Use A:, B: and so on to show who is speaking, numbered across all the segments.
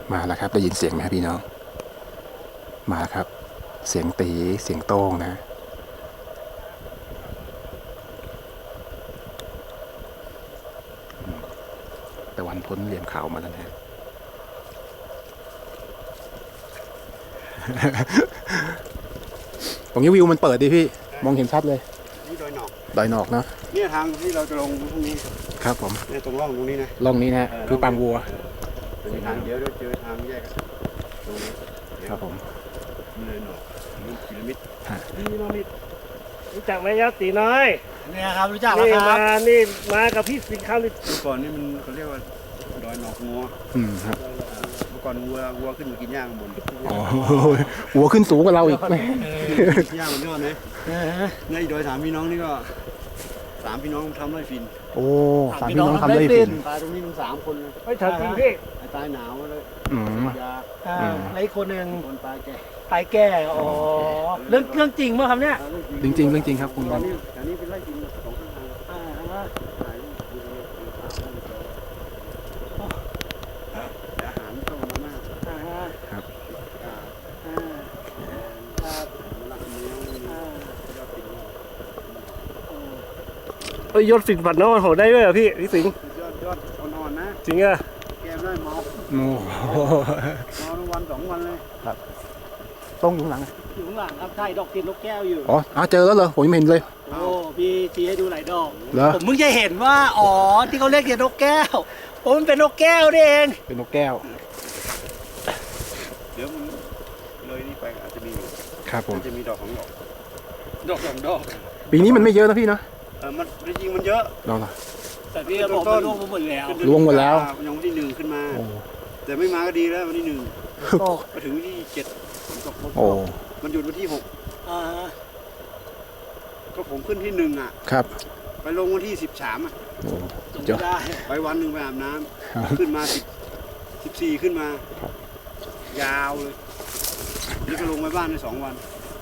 A: มาแล้วครับได้ยินเสียงไหมครับพี่น้องมาแล้วครับเสียงตีเสียงโต้งนะตะวันพ้นเหลี่ยมเขามาแล้วนะตรงนี้วิวมันเปิดดิพี่มองเห็นชัดเลย
B: นี่ดอยหนอก
A: เนาะ
B: เนี่ยทางที่เราจะลงพรุ่งนี้
A: ครับผม
B: เนี่ยตรงร่องตรงนี้นะ
A: ร่องนี้นะคือปางวัว
B: เป็นทางเดี๋ยวเจอทางแยกตรงนี้
A: ครับผม
B: นี่เลยหนอกนี่พีระมิด
C: รู้จักไหมยักษ์ตีน้อย
D: เนี่ยครับรู้จักแล้วครั
C: น
D: บี่
C: มากับพี่สิงห์คำนี่
B: เมื่อก่อนนี่มันเขาเรียกว่าดอยหนอกงัว
A: ครับ
B: เมื่อก่อนวัวขึ้นมากินหญ้าข้างบน
A: หัวขึ้นสูงกว่าเราอีก
B: หญ้ามันยอดเลยเนี่ยดอยสามพี่น้องนี่ก็สามพี่น้องทำไร่ฟิน
A: โอ้สามพี่น้องทำไร่ฟิน
B: ตายตรงนี้มัน3 คนเลย
C: ไม่ทันจริงพี่
B: ตายหนาวเลยยา
D: แล้วอีกคนหนึ่ง
B: คนตายแก่
D: อ๋อเรื่องจริงเมื่อครับเนี่ย
A: จริงครับคุณ
B: อันนี้เป็นไร่ฟินของข้างทางอาหารต้องมาม่า
A: ครับ
C: ยศสิงห์ฝันนอนโหได้ด้วยเหรอพี่สิงห์
B: ยอดอ่อนๆนะ
C: จริงอะ
B: แกมได้เมาวัน2 วันเลย
A: ครับต้องอยู่หลัง
D: อยู่ข้างหลังครับใช่ดอกติดนกแก้วอยู่
A: อ๋อเจอแล้วเหรอผมยังไม่เห็นเลย
D: โอ้พี่ชี้ให้ดูหลายดอก
A: เหรอ
D: ผมเพิ่งจะเห็นว่าอ๋อที่เขาเรียกเรียนนกแก้วผมมันเป็นนกแก้วนี่เอง
A: เป็นนกแก้ว
B: เดี๋ยวมันเลยนี่ไปอาจจะมี
A: ครับผม
B: จะมีดอก2 ดอก
A: ปีนี้มันไม่เยอะนะพี่เนาะ
B: มันจริงมันเยอะ
A: เรา
D: แต่พี่บอกมันร่วงหมดแล้ว
B: ยังวันที่1ขึ้นมาแต่ไม่มาก็ดีแล้ววันที่1มาถึงวันที่7ผมตกมันหยุดวันที่6ก็ผมขึ้นที่1อ่ะ
A: ครับ
B: ไปลงวันที่13อ่ะ
D: จบได้
B: ไปวันหนึ่งไปอาบน้ำขึ้นมา14ขึ้นมายาวเลยนี่ก็ลงไปบ้านใน2 วัน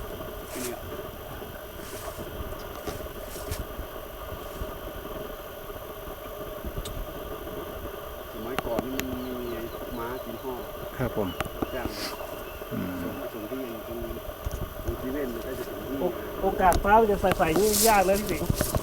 B: สมัยก่อนนี่มันมีม้ากินห่อ
A: ครับผม
B: จ้างส่งที่ตรงที่เว้นก็จะถึงที่
C: โอกาสฟ้าจะใส่นี่ยากนะพี่สิงห์